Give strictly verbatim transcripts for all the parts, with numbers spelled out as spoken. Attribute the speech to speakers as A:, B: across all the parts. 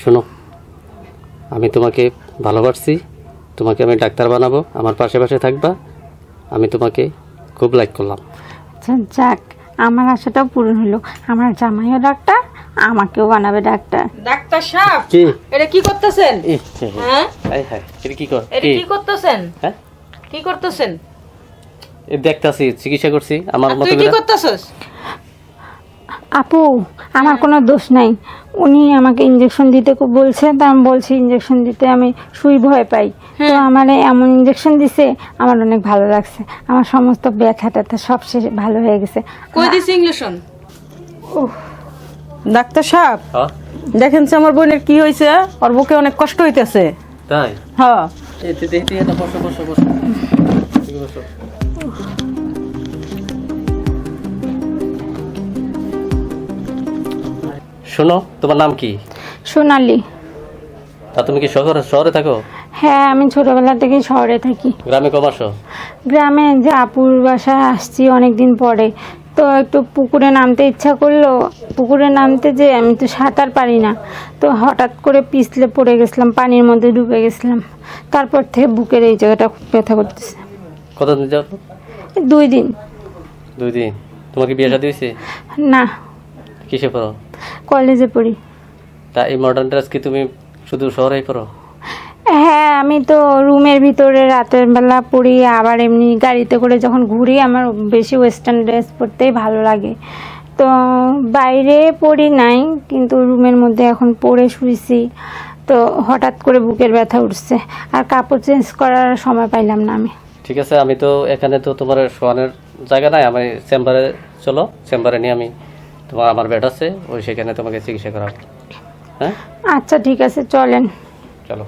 A: শোনো, আমি তোমাকে ভালোবাসছি, তোমাকে আমি ডাক্তার বানাবো, আমার পাশে পাশে থাকবা, আমি তোমাকে খুব লাইক করলাম।
B: আচ্ছা যাক, আমার আশাটাও পূরণ হলো। আমার জামাইও ডাক্তার, আমাকেও বানাবে ডাক্তার।
C: ডাক্তার সাহেব,
A: কি
C: এটা কি করতেছেন? হ্যাঁ
A: হাই হাই, এটা কি কর?
C: এটা কি করতেছেন?
A: হ্যাঁ,
C: কি করতেছেন?
A: এই দেখতাছি, চিকিৎসা করছি আমার
C: আর
A: মতো
C: তুই কি
A: করে।
C: করতেছস?
B: আপু, আমার কোনো দোষ নাই। উনি আমাকে ইঞ্জেকশন দিতে খুব বলছে, তা আমি বলছি ইঞ্জেকশন দিতে আমি সুই ভয় পাই। তো আমার এমন ইঞ্জেকশন দিছে, আমার অনেক ভালো লাগছে। আমার সমস্ত ব্যথা ট্যাথা সব শেষ ভালো হয়ে গেছে।
C: কই দিছি ইঞ্জেকশন?
B: উফ,
C: ডাক্তার সাহেব,
A: হ্যাঁ
C: দেখেন যে আমার বোনের কি হয়েছে, ওর বুকে অনেক কষ্ট হইতেছে।
A: তাই?
C: হ্যাঁ
A: এই তুই দেখি এটা, বসো বসো বসো, ঠিক বসো। শোনো, তোমার নাম কি?
B: সোনালি।
A: তা তুমি কি শহরে শহরে থাকো?
B: হ্যাঁ, আমি ছোটবেলা থেকেই শহরে থাকি।
A: গ্রামে কম আসো?
B: গ্রামে যে আপুর বাসায় আসছি অনেক দিন পরে, তো একটু পুকুরে নামতে ইচ্ছা করলো। পুকুরে নামতে যে আমি তো সাঁতার পারি না, তো হঠাৎ করে পিছলে পড়ে গেছিলাম, পানির মধ্যে ডুবে গেছিলাম। তারপর থেকে বুকের এই জায়গাটা খুব ব্যথা করতেছে।
A: কতদিন যাও?
B: দুই দিন।
A: দুই দিন। তোমার কি বিয়ে শাদী হয়েছে?
B: না,
A: কিসে পড়ো?
B: কলেজে পড়ি।
A: তা এই মডার্ন ড্রেস কি তুমি শুধু শহরেই পড়ো?
B: হ্যাঁ, আমি তো রুমের ভিতরে রাতের বেলা পড়ি, আবার এমনি গাড়িতে করে যখন ঘুরি আমার বেশি ওয়েস্টার্ন ড্রেস পরতেই ভালো লাগে। তো বাইরে পড়ি নাই, কিন্তু রুমের মধ্যে এখন পরে শুয়েছি। তো হঠাৎ করে বুকের ব্যথা উঠছে, আর কাপড় চেঞ্জ করার সময় পাইলাম না আমি।
A: ঠিক আছে, আমি তো এখানে তো তোমার শোয়ানোর জায়গা নাই, আমি চেম্বারে চলো, চেম্বারে নিয়ে আমি তোমার আমার বেড আছে, ওই সেখানে তোমাকে চিকিৎসা করাবো। হ্যাঁ
B: আচ্ছা ঠিক আছে, চলেন।
A: চলো।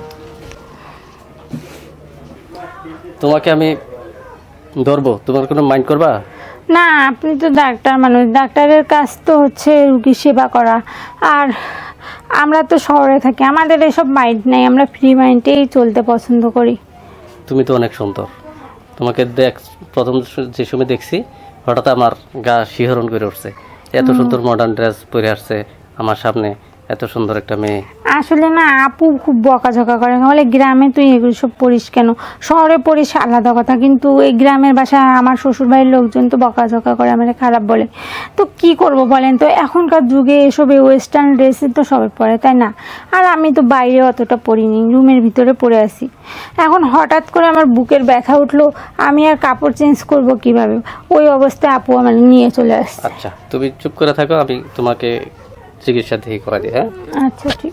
A: তোমাকে আমি ধরবো, তোমার কোনো মাইন্ড করবা?
B: না, আপনি তো ডাক্তার মানুষ, ডাক্তারের কাজ তো হচ্ছে রুগী সেবা করা। আর আমরা তো শহরে থাকি, আমাদের এসব মাইন্ড নেই, আমরা ফ্রি মাইন্ডেই চলতে পছন্দ করি।
A: তুমি তো অনেক সুন্দর, তোমাকে দেখ প্রথম যে সময় দেখছি হঠাৎ আমার গা শিহরণ করে উঠছে। এত সুন্দর মডার্ন ড্রেস পরে আসছে আমার সামনে, এত সুন্দর একটা মেয়ে।
B: আসলে না, আপু খুব বকাঝকা করে, বলে গ্রামে তুই এগুলো সব পড়িস কেন, শহরে পড়িস আলাদা কথা, কিন্তু এই গ্রামের বাসায় আমার শ্বশুরবাড়ির লোকজন তো বকাঝকা করে, আমার খারাপ বলে। তো কি করব বলেন তো, এখনকার যুগে এসব ওয়েস্টার্ন ড্রেসই তো সবাই পরে, তাই না? আর আমি তো বাইরে অতটা পরিনি, রুমের ভিতরে পরে আসি। এখন হঠাৎ করে আমার বুকের ব্যথা উঠলো, আমি আর কাপড় চেঞ্জ করব কিভাবে? ওই অবস্থায় আপু আমার নিয়ে চলে আসছে।
A: আচ্ছা তুমি চুপ করে থাকো, আমি তোমাকে চিকিৎসা দিয়ে করা দিই। হ্যাঁ
B: আচ্ছা ঠিক।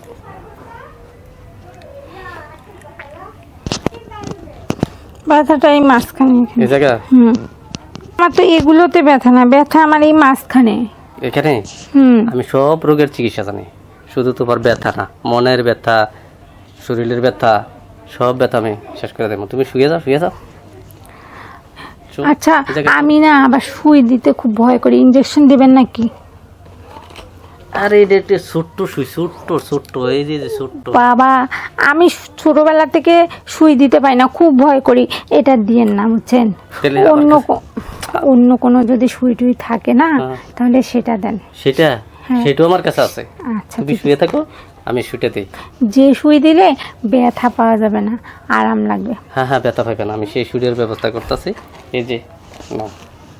B: ব্যথাটা এই মাঝখানে,
A: এই জায়গা?
B: হুম। আমার তো এগুলোতে ব্যথা না, ব্যথা আমার এই মাঝখানে।
A: এখানে?
B: হুম।
A: আমি সব রোগের চিকিৎসা জানি, শুধু তোমার ব্যথা না, মনের ব্যথা, শরীরের ব্যথা, সব ব্যথা আমি শেষ করে দেবো। তুমি শুয়ে যাও, শুয়ে যাও। চুপ,
B: আচ্ছা,
A: এই জায়গায় চুপ।
B: আমি না আবার সুই দিতে খুব ভয় করি, ইঞ্জেকশন দিবেন নাকি?
A: আরে এটা একটা ছোট্ট সুই, ছোট্ট ছোট্ট, এই যে যে ছোট্ট।
B: বাবা, আমি ছোটবেলা থেকে সুই দিতে পারি না, খুব ভয় করি। এটা দিয়েন না, বুঝছেন?
A: তাহলে আমার
B: অন্য
A: কাছে-
B: কো- অন্য কোনো যদি সুই টুই থাকে না,
A: হ্যাঁ।
B: তাহলে সেটা দেন।
A: সেটা
B: হ্যাঁ।
A: সেটাও আমার কাছে আছে।
B: আচ্ছা
A: তুমি
B: ঠিক
A: শুয়ে থাকো, আমি শুটে দিই।
B: যে সুই দিলে ব্যথা পাওয়া যাবে না, আরাম লাগবে।
A: হ্যাঁ হ্যাঁ, ব্যথা পাবে না, আমি সেই সুটের ব্যবস্থা করতেছি। এই যে নাও।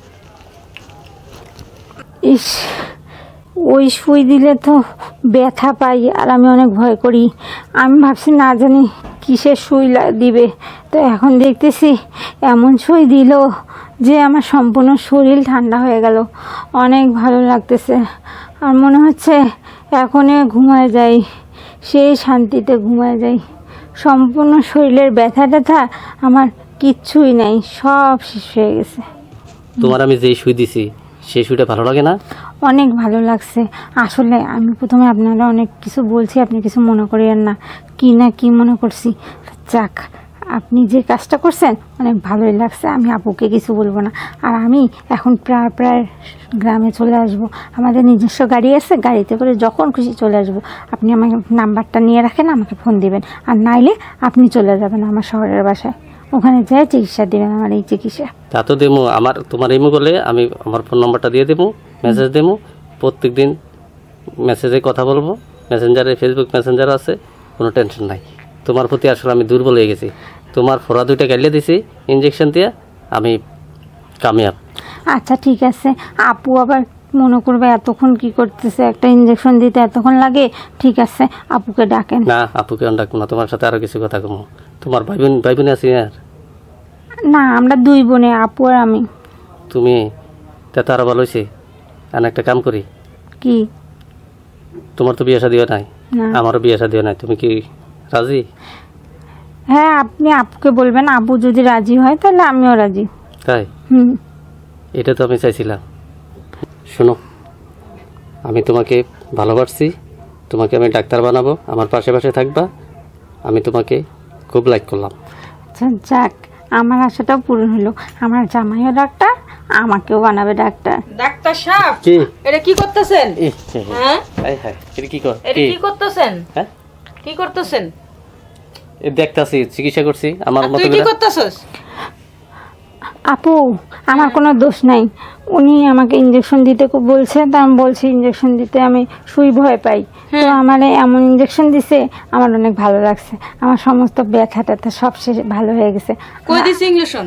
B: ইস, ওই সুই দিলে তো ব্যথা পাই, আর আমি অনেক ভয় করি। আমি ভাবছি না জানি কিসের সুই লা- দিবে, তো এখন দেখতেছি এমন সুই দিল যে আমার সম্পূর্ণ শরীর ঠান্ডা হয়ে গেল, অনেক ভালো লাগতেছে। আর মনে হচ্ছে এখনই ঘুমায় যাই, সেই শান্তিতে ঘুমায় যাই। সম্পূর্ণ শরীরের ব্যথা ট্যাথা আমার কিচ্ছুই নাই, সব শেষ হয়ে গেছে।
A: তোমার আমি যেই সুই দিছি সেই সুইটা ভালো লাগে না?
B: অনেক ভালো লাগছে। আসলে আমি প্রথমে আপনারা অনেক কিছু বলছি, আপনি কিছু মনে করিয়েন না, কি না কি মনে করছি। যাক, আপনি যে কাজটা করছেন অনেক ভালোই লাগছে, আমি আপুকে কিছু বলবো না। আর আমি এখন প্রায় প্রায় গ্রামে চলে আসব, আমাদের নিজস্ব গাড়ি আছে, গাড়িতে করে যখন খুশি চলে আসব। আপনি আমার নাম্বারটা নিয়ে রাখেন, আমাকে ফোন দিবেন, আর নাইলে আপনি চলে যাবেন আমার শহরের বাসায়, ওখানে যেয়ে চিকিৎসা দিবেন আমার এই চিকিৎসা।
A: তা তো দেবো, আমার তোমার ইমো করলে আমি আমার ফোন নাম্বারটা দিয়ে দেবো, মেসেজ দেবো, প্রত্যেক দিন মেসেজে কথা বলবো, মেসেঞ্জারে ফেসবুক মেসেঞ্জার আছে, কোনো টেনশন নাই। তোমার প্রতি আসলে আমি দুর্বল হয়ে গেছি। তোমার ফোড়া দুইটা গাইলে দিছি ইঞ্জেকশন দিয়ে, আমি কামিয়াব।
B: আচ্ছা ঠিক আছে, আপু আবার মনে করবে এতক্ষণ কি করতেছে, একটা ইঞ্জেকশন দিতে এতক্ষণ লাগে। ঠিক আছে, আপুকে ডাকেন।
A: না, আপুকে আমি ডাকবো না, তোমার সাথে আরও কিছু কথা কমো। তোমার ভাই বোন ভাই বোন আছি আর
B: না, আমরা দুই বোনে, আপু আর আমি।
A: তুমি তা আরও ভালো হয়েছে। আর একটা কাম করি,
B: কি?
A: তোমার তো বিয়ে শাদিও নাই,
B: না।
A: আমারও বিয়ে শাদিও নাই, তুমি কি রাজি?
B: হ্যাঁ, আপনি আপুকে বলবেন, আপু যদি রাজি হয় তাহলে আমিও রাজি।
A: তাই?
B: হুম।
A: এটা তো আমি চাইছিলাম। শোনো, আমি তোমাকে ভালোবাসছি, তোমাকে আমি ডাক্তার বানাবো, আমার পাশে পাশে থাকবা। আমি তোমাকে খুব লাইক করলাম।
B: আচ্ছা যাক, আমার আশাটাও পূরণ হলো। আমার জামাইও ডাক্তার, আমাকেও বানাবে ডাক্তার।
C: ডাক্তার সাহেব,
A: কি
C: এটা কি করতেছেন? হ্যাঁ,
A: হ্যাঁ হ্যাঁ, এটা কি কর
C: এটা কি করতেছেন?
A: হ্যাঁ,
C: কি করতেছেন?
A: এ দেখতাছি, চিকিৎসা করছি আমার
C: আর
A: মতো
C: তুই কি
A: করে।
C: করতেছস?
B: আপু, আমার কোনো দোষ নাই। উনি আমাকে ইঞ্জেকশন দিতে খুব বলছে, তা আমি বলছি ইঞ্জেকশন দিতে আমি সুই ভয় পাই। তো আমার এমন ইঞ্জেকশন দিছে, আমার অনেক ভালো লাগছে। আমার সমস্ত ব্যথা ট্যাথা সব শেষ ভালো হয়ে গেছে।
C: কই দিছ ইঞ্জেকশন?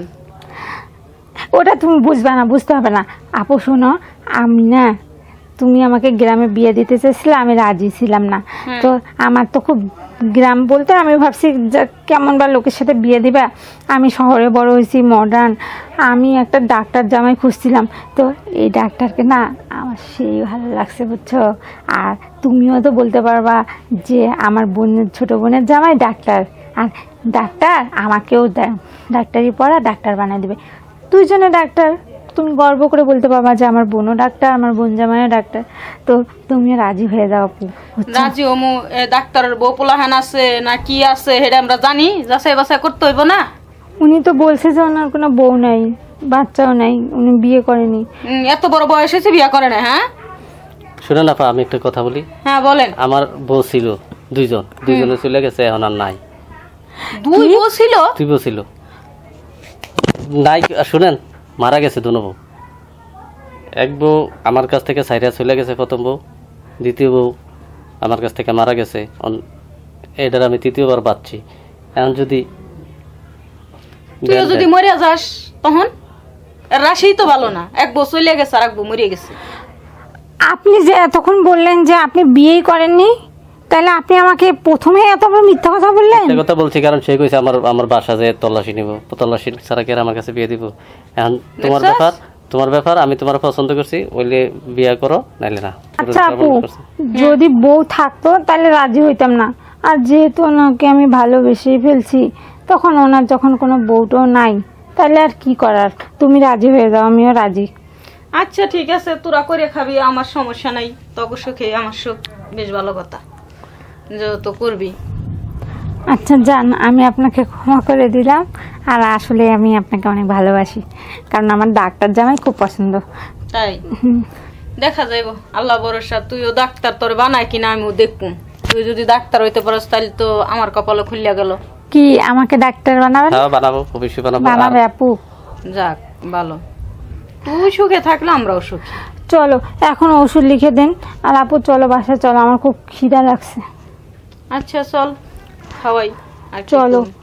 B: ওটা তুমি বুঝবে না, বুঝতে হবে না। আপু শোনো, আমি না, তুমি আমাকে গ্রামে বিয়ে দিতে চাইছিলে, আমি রাজি ছিলাম না। তো আমার তো খুব গ্রাম বলতে আমি ভাবছি যে কেমন বা লোকের সাথে বিয়ে দিবা। আমি শহরে বড় হয়েছি, মডার্ন। আমি একটা ডাক্তার জামাই খুঁজছিলাম, তো এই ডাক্তারকে না আমার সেই ভালো লাগছে, বুঝছো। আর তুমিও তো বলতে পারবা যে আমার বোনের ছোটো বোনের জামাই ডাক্তার, আর ডাক্তার আমাকেও দা- ডাক্তারি পড়া ডাক্তার বানিয়ে দেবে। দুইজনে ডাক্তার, তুমি গর্ব করে বলতে পারবা যে আমার বোনও ডাক্তার, আমার বোন জামাইও ডাক্তার। তো তুমি রাজি হয়ে যাও আপু, বুঝছো?
C: রাজি ওমু ডাক্তারের বউ পোলাহান আছে না কি আছে সেটা আমরা জানি, যাচাই বাছাই করতে হইব না?
B: উনি তো বলছে যে ওনার কোনো বউ নাই, বাচ্চাও নাই, উনি বিয়ে করেনি।
C: উম, এত বড় বয়স হয়েছে বিয়া করে না? হ্যাঁ
A: শুনে না, আমি একটা কথা বলি।
C: হ্যাঁ বলেন।
A: আমার বউ ছিল দুইজন, দুইজনে চলে গেছে, এখন আর নাই।
C: দুই বউ ছিল?
A: দুই বউ ছিল, নাই। শুনেন, মারা গেছে দুনো বউ। এক বউ আমার কাছ থেকে সাইরা চলে গেছে, প্রথম বউ। দ্বিতীয় বউ আমার কাছ থেকে মারা গেছে, অন- এটার আমি তৃতীয়বার বাঁচছি। এখন যদি
C: তুইও যদি মরিয়া যাস তখন? এর রাশি তো ভালো না, এক বউ চলে গেছে আর এক বউ মরিয়ে গেছে।
B: আপনি যে এতক্ষণ বললেন যে আপনি বিয়েই করেননি, তাহলে আপনি আমাকে প্রথমে এত বড় মিথ্যা কথা বললেন।
A: একটা কথা বলছি, কারণ সে কইছে আমার আমার বাসা যে তল্লাশি নিব, তল্লাশি ছাড়া কি আর আমার কাছে বিয়ে দিব? এখন তোমার
C: দেখছস?
A: ব্যাপার, তোমার ব্যাপার। আমি তোমার পছন্দ করছি, ওইলে বিয়ে করো, নাইলে না।
B: আচ্ছা আপু, যদি বউ থাকতো তাহলে রাজি হইতাম না। আর যেহেতু ওনাকে আমি ভালোবেসেই ফেলছি, তখন ওনার যখন কোনো বউটাও নাই, তাহলে আর কি করার। তুমি রাজি হয়ে যাও, আমিও রাজি।
C: আচ্ছা ঠিক আছে, তোরা করে খাবি, আমার সমস্যা নাই। তক সুখে আমার সুখ, বেশ ভালো কথা, যেহেতু করবি।
B: আচ্ছা যান, আমি আপনাকে ক্ষমা করে দিলাম। আর আসলে আমি আপনাকে অনেক ভালোবাসি, কারণ আমার ডাক্তার জামাই খুব পছন্দ।
C: তাই দেখা যাইব, আল্লাহ ভরসা। তুইও ডাক্তার তোর বানায় কিনা আমিও দেখবো। তুই যদি ডাক্তার হইতে পারস তাহলে তো আমার কপালে খুলিয়া গেল।
B: কি আমাকে ডাক্তার বানাবেন?
A: হ্যাঁ বানাবো, অবশ্যই বানাবো।
B: বানাবে
A: আর
B: আপু?
C: যাক ভালো, তুই সুখে থাকলে আমরাও সুখী।
B: চলো এখন ওষুধ লিখে দেন। আর আপু চলো বাসায় চলো, আমার খুব খিদা লাগছে।
C: আচ্ছা চল খাওয়াই। আর কি
B: চলো।
C: করবো?